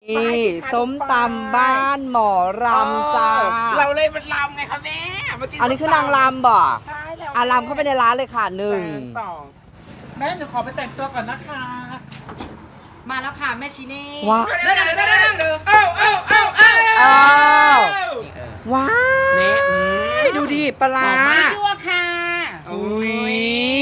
นี่ส้มตำบ้านหมอรำจ้าเราเลยเป็นรำไงคะแม่อันนี้คือนางรำบ่ใช่แล้วรำเข้าไปในร้านเลยค่ะแม่หนูขอไปแต่งตัวก่อนนะคะมาแล้วค่ะแม่ชิเน่ว้าวว้าวดูดิปลาชั่วค่ะอุ้ย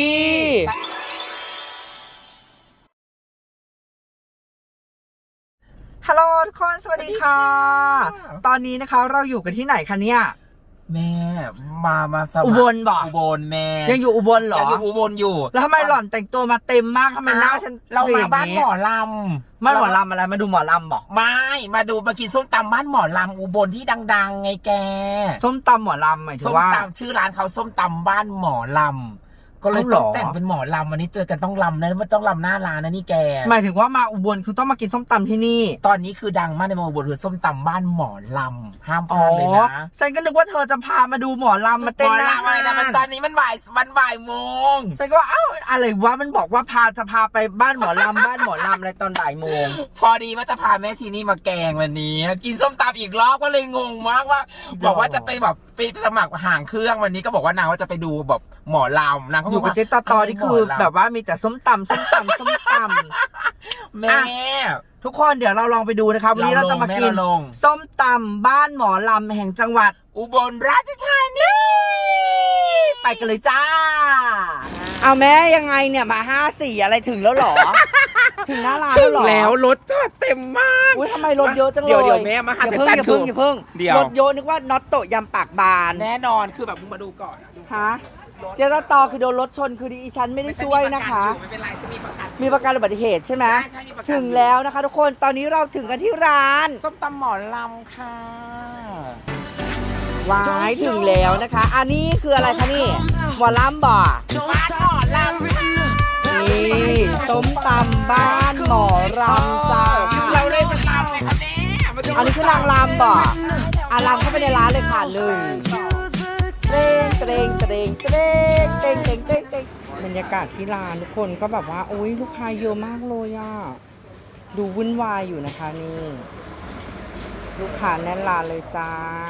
ฮัลโหลทุกคนสวัสดีค่ะตอนนี้นะคะเราอยู่กันที่ไหนคะเนี่ยแม่มาสมัครอุบลบ่อุบลแม่ยังอยู่อุบลเหรอยังอยู่อุบลอยู่แล้วทำไมหล่อนแต่งตัวมาเต็มมากทำไมหน้าฉันเรามาบ้านหมอลำมาหมอลำอะไรมาดูหมอลำบอกไม่มากินส้มตำบ้านหมอลำอุบลที่ดังๆไงแกส้มตำหมอลำหมายถึงว่าส้มตำชื่อร้านเขาส้มตำบ้านหมอลำก็เลยต้องแต่งเป็นหมอลำวันนี้เจอกันต้องลำนะไม่ต้องลำหน้าร้านนะนี่แกหมายถึงว่ามาอุบลคือต้องมากินส้มตำที่นี่ตอนนี้คือดังมากในอุบลคือส้มตำบ้านหมอลำห้ามพลาดเลยนะฉันก็นึกว่าเธอจะพามาดูหมอลำมาเต้นหน้าอะไรนะมันตอนนี้มันบ่ายโมงฉันก็เอ้าอะไรวะมันบอกว่าจะพาไปบ้านหมอลำบ้านหมอลำอะไรตอนบ่ายโมงพอดีว่าจะพาแม่ชีนี่มาแกงวันนี้กินส้มตำอีกรอบก็เลยงงมากว่าบอกว่าจะไปแบบไปสมัครห่างเครื่องวันนี้ก็บอกว่านางว่าจะไปดูแบบหมอลำนางเขาอยู่กับเจ๊ตอที่คือแบบว่ามีแต่ส้มตำแม่ทุกคนเดี๋ยวเราลองไปดูนะครับวันนี้เราจะมากินส้มตำบ้านหมอลำแห่งจังหวัดอุบลราชธานีไปกันเลยจ้าเอาแม่ยังไงเนี่ยมา54อะไรถึงแล้วหรอถึงหน้าร้านแล้วหรอแล้วรถจอดเต็มมากอุ้ยทำไมรถเยอะจังเลยเดี๋ยวแม่มาหาแต่อย่าเพิ่งรถเยอะนึกว่าน็อตโตยำปากบานแน่นอนคือแบบมึงมาดูก่อนฮะเจ๊ตอคือโดนรถชนคือดิฉันไม่ได้ช่วยนะคะไม่เป็นไรจะมีประกันอุบัติเหตุใช่ไหมถึงแล้วนะคะทุกคนตอนนี้เราถึงกันที่ร้านส้มตำหมอลำค่ะว้ายถึงแล้วนะคะอันนี้คืออะไรคะนี่หมอลำบ่บ้านหมอลำนี่ส้มตำบ้านหมอรำจ้าเราเลยเป็นลำเลยค่ะแม่อันนี้คือนางรำบ่รำเข้าไปในร้านเลยค่ะเตรงบรรยากาศที่ร้านทุกคนก็แบบว่าโอ้ยลูกค้าเยอะมากเลยอ่ะดูวุ่นวายอยู่นะคะนี่ลูกค้าแน่นร้านเลยจ้า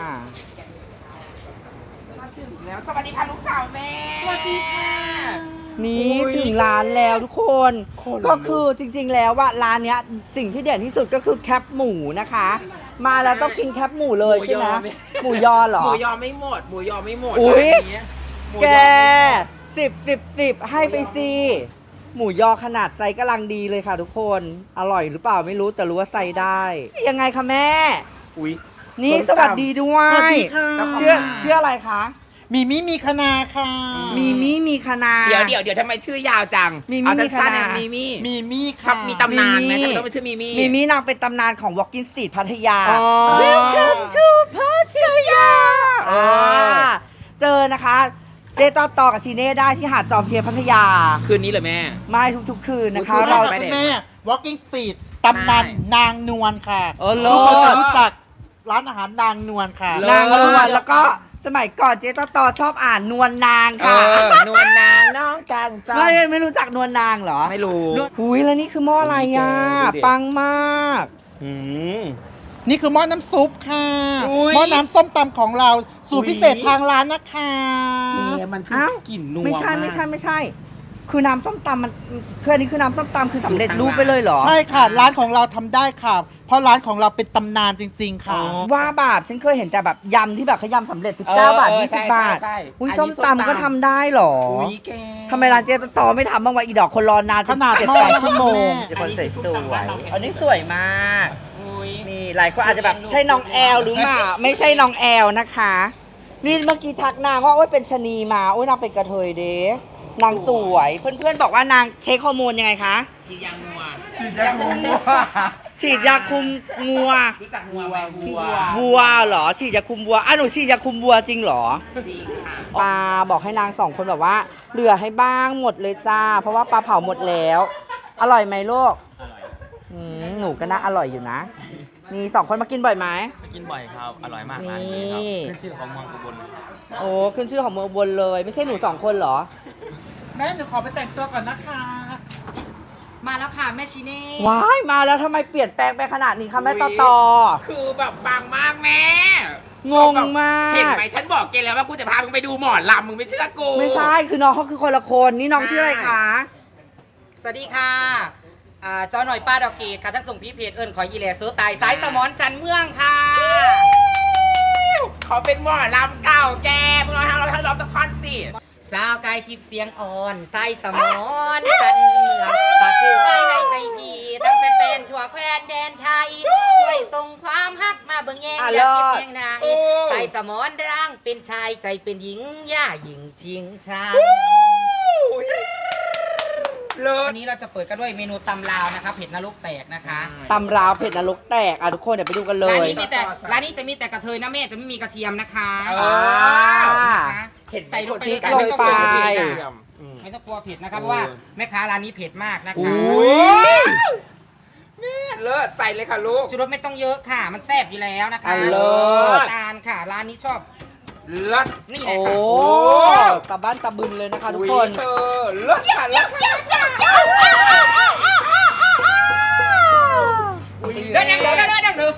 แล้วสวัสดีค่ะลูกสาวแม่สวัสดีค่ะนี่ถึงร้านแล้วทุกคนก็คือจริงๆแล้วว่าร้านเนี้ยสิ่งที่เด่นที่สุดก็คือแคปหมูนะคะมาแล้วต้องกินแคปหมูเลยใช่ไหมหมูยอเหรอหมูยอไม่หมดอุ้ยแก10ให้ไปสิหมูยอขนาดไซส์กำลังดีเลยค่ะทุกคนอร่อยหรือเปล่าไม่รู้แต่รู้ว่าไซส์ได้ยังไงคะแม่อุ้ยนี่สวัสดีด้วยเชื่ออะไรคะมีคณาค่ะมีคณาเดี๋ยวทำไมชื่อยาวจังมีคณามีค่ะมีตำนานไหมต้องเป็นชื่อมีนางเป็นตำนานของ Walking Street พัทยา Welcome to พัทยาเจอนะคะเจต่อกับซีเน่ได้ที่หาดจอมเทียนพัทยาคืนนี้เลยแม่ไม่ทุกคืนนะคะเราแม่ Walking Street ตำนานนางนวลค่ะทุกคนจะรู้จักร้านอาหารนางนวลค่ะนางนวลแล้วก็สมัยก่อนเจ๊ต่อชอบอ่านนวลนางค่ะนวลนางน้องกังจังไม่รู้จักนวลนางเหรอไม่รู้อุ้ยแล้วนี่คือหม้ออะไรอ่ะปังมากนี่คือหม้อน้ำซุปค่ะหม้อน้ำส้มตำของเราสูตรพิเศษทางร้านนะคะมันคือกลิ่นนัวไม่ใช่คือน้ำส้มตำมันคืออันนี้คือน้ำส้มตำคือสำเร็จรูปไปเลยเหรอใช่ค่ะร้านของเราทำได้ค่ะเพราะร้านของเราเป็นตำนานจริงๆค่ะว่าแบบฉันเคยเห็นแต่แบบยำที่แบบเขายำสำเร็จ19 บาท20 บาทอุ้ยส้มตำก็ทำได้เหรอทำไมร้านเจ๊ต่อไม่ทำบ้างวะอีดอกคนรอนานขนาด 7-8 ชั่วโมงคนสวยอันนี้สวยมากนี่หลายคนอาจจะแบบใช่น้องแอลหรือเปล่าไม่ใช่น้องแอลนะคะนี่เมื่อกี้ทักนางว่าโอ๊ยเป็นชะนีมาโอ๊ยนางเป็นกระเทยเด้นางสวยเพื่อนๆบอกว่านางเทคฮอร์โมนยังไงคะฉีดยาคุมงัวรู้จักงัวไหมวัวเหรอฉีดยาคุมวัวหนูฉีดยาคุมวัวจริงเหรอจริงค่ะปลาบอกให้นาง2 คนแบบว่าเหลือให้บ้างหมดเลยจ้าเพราะว่าปลาเผาหมดแล้วอร่อยไหมลูกหนูก็น่าอร่อยอยู่นะมี2 คนมากินบ่อยไหมมากินบ่อยครับอร่อยมากร้านนี้ครับขึ้นชื่อของเมืองอุบลโอ้ขึ้นชื่อของเมืองอุบลเลยไม่ใช่หนู2 คนเหรอแม่หนูขอไปแต่งตัวก่อนนะคะมาแล้วค่ะแม่ชิเน่ว้ายมาแล้วทำไมเปลี่ยนแปลงไปขนาดนี้คะแม่ต่อคือแบบบางมากแม่งงมากเห็นไหมฉันบอกแกแล้วว่ากูจะพามึงไปดูหมอลำมึงไม่เชื่อกูไม่ใช่คือน้องเขาคือคนละคนนี่น้องชื่ออะไรคะสวัสดีค่ะจอหน่อยป้าดอกเกตค่ะท่านส่งพี่เพจเอิญขอยีแลโซตายสายสมอนจันเมืองค่ะเขาเป็นหมอลำเก่าแกมึงลองทำเราทำร้องตะคอนสิสาวกายทิพย์เสียงอ่อนสายสมอนจันเมืองฝากชื่อไว้ในใจพี่ทั้งเป็นทั่วแคว้นแดนไทย ช่วยส่งความฮักมาเบิ่งแยงอยากเก็บแยงนายสายสมอนร่างเป็นชายใจเป็นหญิงย่าหญิงชิงชางเลิศวันนี้เราจะเปิดกันด้วยเมนูตำลาวนะคะเผ็ดนรกแตกนะคะตำราวเผ็ดนรกแตกทุกคนเดี๋ยวไปดูกันเลร้านยนี้มีแต่ร้านนี้จะมีแต่กระเทยนะแม่จะไม่มีกระเทียมนะคะ นะคะเห็นใส่ลงไปพริกเลยลงไปไม่ต้องกลัวเผ็ดนะครับเพราะว่าแม่ค้าร้านนี้เผ็ดมากนะคะแม่เลิศใส่เลยค่ะลูกชูรสไม่ต้องเยอะค่ะ มันแซ่บอยู่แล้วนะคะเลิศน้ำตาลค่ะร้านนี้ชอบเลิศนี่แหโอ้ละค่ะตะบ้านตะบึนเลยนะคะทุกคนเธอเลิศค่ะเลิศค่ะเดินยังเดินเดินเดินเดินเลิ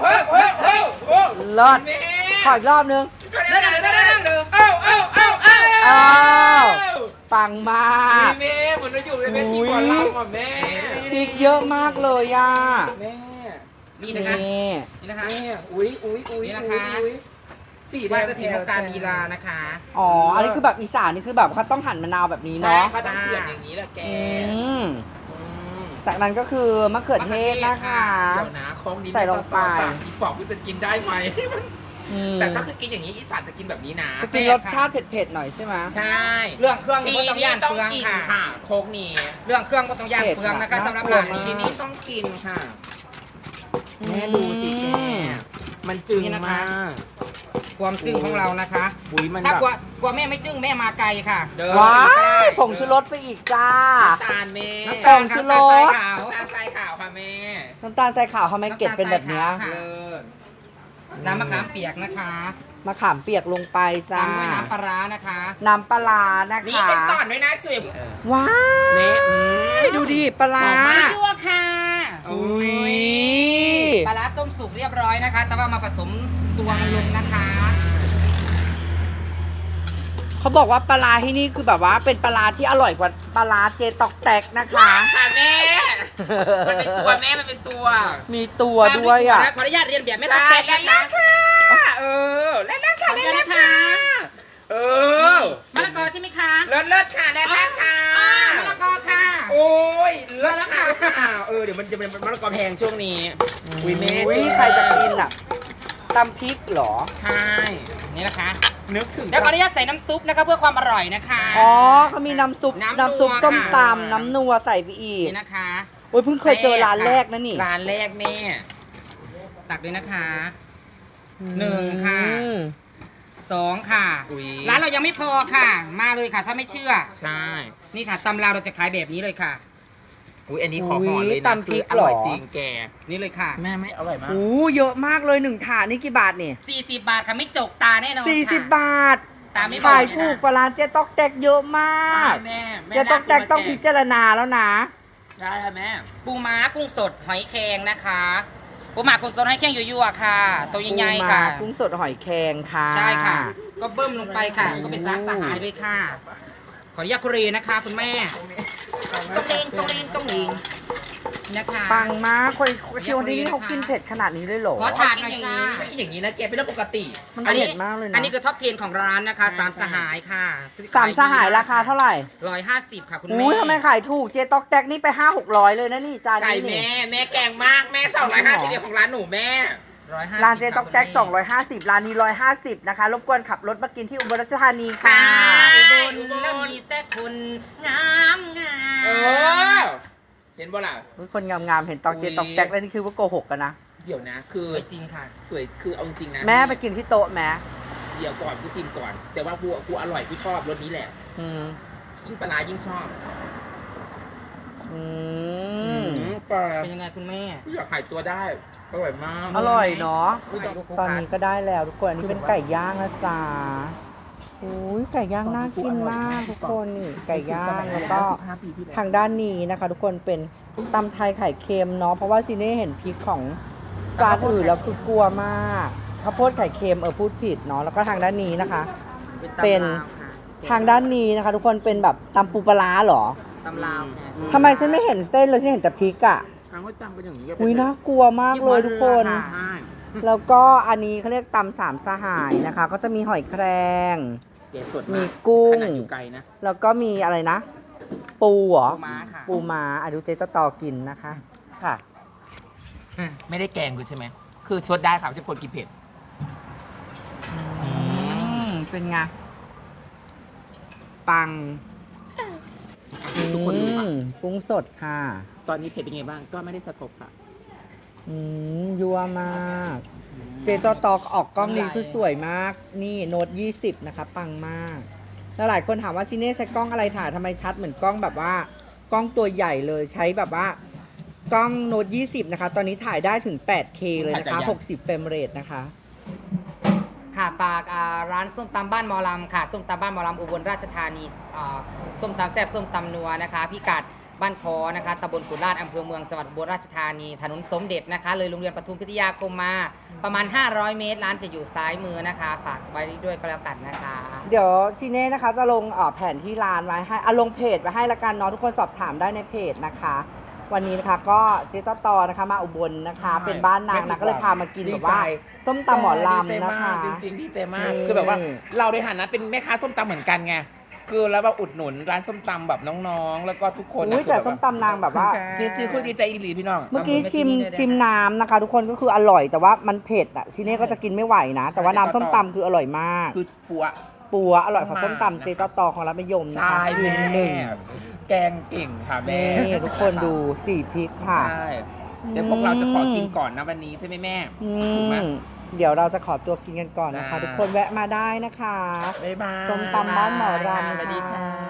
ศขออีกรอบนึงเดินเดินเดินเดินเดินเดินอ้าวปังมากแม่เหมือนเราอยู่ในเวทีหมอลำอ่ะแม่พริกเยอะมากเลยอ่ะแม่นี่นะคะนี่นี่นะคะแม่อุ้ยนี่นะคะสีแดว่าง จะสีโมการลีลานะคะอ๋ออันนี้คือแบบอีสานนี่คือแบบเขาต้องหั่นมะนาวแบบนี้ใช่เนาะเขาต้องเฉือนอย่างนี้แหละแกอืมจากนั้นก็คือมะเขือเทศนะคะเดี๋ยวนะของนี้ใส่ลงไปอีปอบมันจะกินได้ไหมอืมแต่ก็คือกินอย่างนี้อีสานจะกินแบบนี้นะจะกินรสชาติเผ็ดๆหน่อยใช่ไหมใช่เรื่องเครื่องทีก็ต้องนี้ย่านต้องเฟืองกินค่ะค่ะโคกนี้เรื่องเครื่องก็ต้องย่านเผ็ดเฟืองนะคะน่ะสำหรับน่ากลัวร้านมากนี้ทีนี้ต้องกินค่ะแม่ดูสิแกมันจึงนี่นะคะมากความจึ้งของเรานะคะอุ้ยมันถ้าแบบกลัวแม่ไม่จึ้งแม่มาไกลค่ะเดินว้าได้ยผงชูรสไปอีกจ้าน้ำตาลแม่น้ำผตาลงชูค่ะรสน้ำตาลทรายขาวน้ำตาลทรายขาวค่ะแม่น้ำตาลทรายขาวทำไมเกล็ดเป็นแบบเนี้ยค่ะเลิศน้ำมะขามเปียกนะคะมะขามเปียกลงไปจ้าตามด้วยน้ำปลาร้านะคะน้ำปลาร้านะนี่คะเป็นตอนด้วยนะช่วยว้าแม่ยดูดิปลาร้าชั่วค่ะอุ้ยปลาร้าต้มสุกเรียบร้อยนะคะ แต่ว่ามาผสมตวงลงนะคะเขาบอกว่าปลาร้าที่นี่คือแบบว่าเป็นปลาร้าที่อร่อยกว่าปลาร้าเจตอกแตกนะคะค่ะแม่ มันเป็นตัวแม่มันเป็นตัวมีตัวด้วยอ่ะขออนุญาตเรียนแบบไม่ต้องแตกแล้นะวคะค่ะเออแล้วค่ะขออนุญาตนะคะเออมะละกอใช่ไหมคะเลิศค่ะแล้วค่ะมะละกอค่ะโอ้ยเลิศค่ะเดี๋ยวมันจะเป็นมะละกอแพงช่วงนี้อุ้ยแม่อุ้ยใครจะกินอ่ะตำพริกเหรอใช่นี่นะคะนึกถึงแล้วขออนุญาตใส่น้ำซุปนะคะเพื่อความอร่อยนะคะอ๋อเขามีน้ำซุปน้ำนัวน้ำซุปต้มค่ะตำน้ำนัวใส่ไปอีกนี่นะคะโอ้ยเพิ่งเคยเจอร้านแรกนะนี่ร้านแรกแม่ตักเลยนะคะหนึ่งค่ะอืมสองค่ะอุ้ยร้านเรายังไม่พอค่ะ มาเลยค่ะ ถ้าไม่เชื่อใช่นี่ค่ะตำลาวเราจะขายแบบนี้เลยค่ะอุ้ยอันนี้ขอห่อเลยอุ๊ยนะตำพริกอร่อยเหรอจริงแกนี่เลยค่ะแม่ไม่อร่อยมากโอ้เยอะมากเลยหนึ่งถาดนี่กี่บาทนี่ 40 บาทค่ะไม่จกตาแน่นอนค่ะ 40 บาทตามไม่บอกขายถูกกว่าร้านเจ๊ตอกแตกเยอะมากแม่เจ๊ตอกแตกต้องพิจารณาแล้วนะใช่ค่ะแม่ปูม้ากุ้งสดหอยแครงนะคะปูม้ากุ้งสดหอยแครงยั่วๆค่ะ ตัวใหญ่ๆค่ะปูม้ากุ้งสดหอยแครงค่ะใช่ค่ะ ก็เบิ้มลงไปค่ะ ก็เป็นซักสหายเลยค่ะ ขออนุญาตคุรีนะคะ คุณแม่ต้องเลงนะคะปังมากคนที่วันนี้เขากินเผ็ดขนาดนี้เลยเหรอขอถาดหน่อยจ้าไม่กินอย่างนี้นะแกเป็นเรื่องปกติมันเผ็ดมากเลยนะอันนี้คือท็อป10ของร้านนะคะสามสหายค่ะสามสหายราคาเท่าไหร่ 150ค่ะคุณแม่อุ้ยทำไมขายถูกเจ๊ตอกแตกนี่ไป500-600เลยนะนี่จานใช่นี้นี่แม่แกงมากแม่250เดียวของร้านหนูแม่ 150 ร้านเจ๊ตอกแตก250ร้านนี้150นะคะรบกวนขับรถมากินที่อุบลราชธานีค่ะอุบลแล้วมีแต่คนงามงาเอมอ เห็นบ่ล่ะอุ๊ยคนงามๆเห็นตอกเจ๊ตอกแตกแล้วนี่คือว่าโกหกกันนะเดี๋ยวนะ คือสวยจริงค่ะสวยคือเอาจริงนะแม่ไปกินที่โต๊ะแม่เดี๋ยวก่อนกูชิมก่อน แต่ว่ากูอร่อยกูชอบรสนี้แหละอืมยิ่งปลาร้ายิ่งชอบอืมปลาเป็นยังไงคุณแม่อยากหายตัวได้อร่อยมากอร่อยเนาะถ่ายรูปคู่ตอนกันนี้ก็ได้แล้วทุกคนอันนี้เป็นไก่ย่างนะจ๊ะโอ้ยไก่ย่างน่ากินมากทุกคนนี่ไก่ย่างแล้วก็ทางด้านนี้นะคะ ทุกคนเป็นตำไทยไข่เค็มเนาะเพราะว่าซีเน่เห็นพริกของจานอื่นแล้วคือกลัวมากข้าวโพดไข่เค็มพูดผิดเนาะแล้วก็ทางด้านนี้นะคะ เป็นทางด้านนี้นะคะ ทุกคนเป็นแบบตำปูปลาร้าเหรอตำลาวทำไมฉันไม่เห็นเส้นเลยฉันเห็นแต่พริกอ่ะครั้งว่าจำเป็นอย่างนี้อุ้ยน่ากลัวมากเลยทุกคนใช่แล้วก็อันนี้เขาเรียกตำสามสหายนะคะ ก็จะมีหอยแครงเก๋สดมีกุ้งขนาดอยู่ไกลนะแล้วก็มีอะไรนะ ปูเหรอปูม้าค่ะปูม้าดูเจตต่อกินนะคะค่ะไม่ได้แกงกูใช่ไหมคือสดได้ค่ะไม่ใช่คนกินเผ็ดเป็นไงปังทุกคนดูค่ะกุ้งสดค่ะตอนนี้เผ็ดเป็นไงบ้างก็ไม่ได้สะทบค่ะยัวมาก เจตต่อออกกล้องนี้คือสวยมาก นี่โน้ต20นะคะปังมาก แล้วหลายคนถามว่าชิเน่ใช้กล้องอะไรถ่ายทำไมชัดเหมือนกล้องแบบว่ากล้องตัวใหญ่เลยใช้แบบว่ากล้องโน้ต20นะคะตอนนี้ถ่ายได้ถึง 8K เลยนะคะ60เฟรมเรทนะคะค่ะฝากร้านส้มตำบ้านหมอลำค่ะส้มตำบ้านหมอลำอุบลราชธานีส้มตำแซ่บส้มตำนัวนะคะพิกัดบ้านคอนะคะตำบลกุฎลาดอำเภอเมืองจังหวัดอุบลราชธานีถนนสมเด็จนะคะเลยโรงเรียนปทุมพิทยาคมมาประมาณ500 เมตรร้านจะอยู่ซ้ายมือนะคะฝากไว้ด้วยก็แล้วกันนะคะเดี๋ยวชิเน่นะคะจะลงแผนที่ร้านไว้ให้ลงเพจไว้ให้ละกันเนาะทุกคนสอบถามได้ในเพจนะคะ วันนี้นะคะก็เจตต่อนะคะมาอุบลนะคะ เป็นบ้านนางนะก็เลยพามากินแบบว่าส้มตำหมอลำนะคะจริงๆดีใจมากนี่คือแบบว่าเราในฐานะเป็นแม่ค้าส้มตำเหมือนกันไงคือแล้วแบบอุดหนุนร้านส้มตำแบบน้องๆ แล้วก็ทุกคนอุ้ยแต่ส้มตำนางแบบว่าจริงๆคือดีใจอีหลีพี่น้องเมื่อกี้ชิมน้ำนะคะ ทุกคนก็คืออร่อยแต่ว่ามันเผ็ดอ่ะชิเน่ก็จะกินไม่ไหวนะ แต่ว่าน้ำส้มตำคืออร่อยมากคือปัวปัวอร่อยกว่าส้มตำเจตต่อของร้านมะยมนะคะใช่ยืนหนึ่งแกงเก่งค่ะแม่นี่ทุกคนดู4พริกค่ะใช่เดี๋ยวพวกเราจะขอกินก่อนนะวันนี้ใช่ไหมแม่อืถูกไหมมเดี๋ยวเราจะขอตัวกินกันก่อนนะคะจ้าทุกคนแวะมาได้นะคะบ๊ายบายส้มตำบ้านหมอรำสวัสดีค่ะ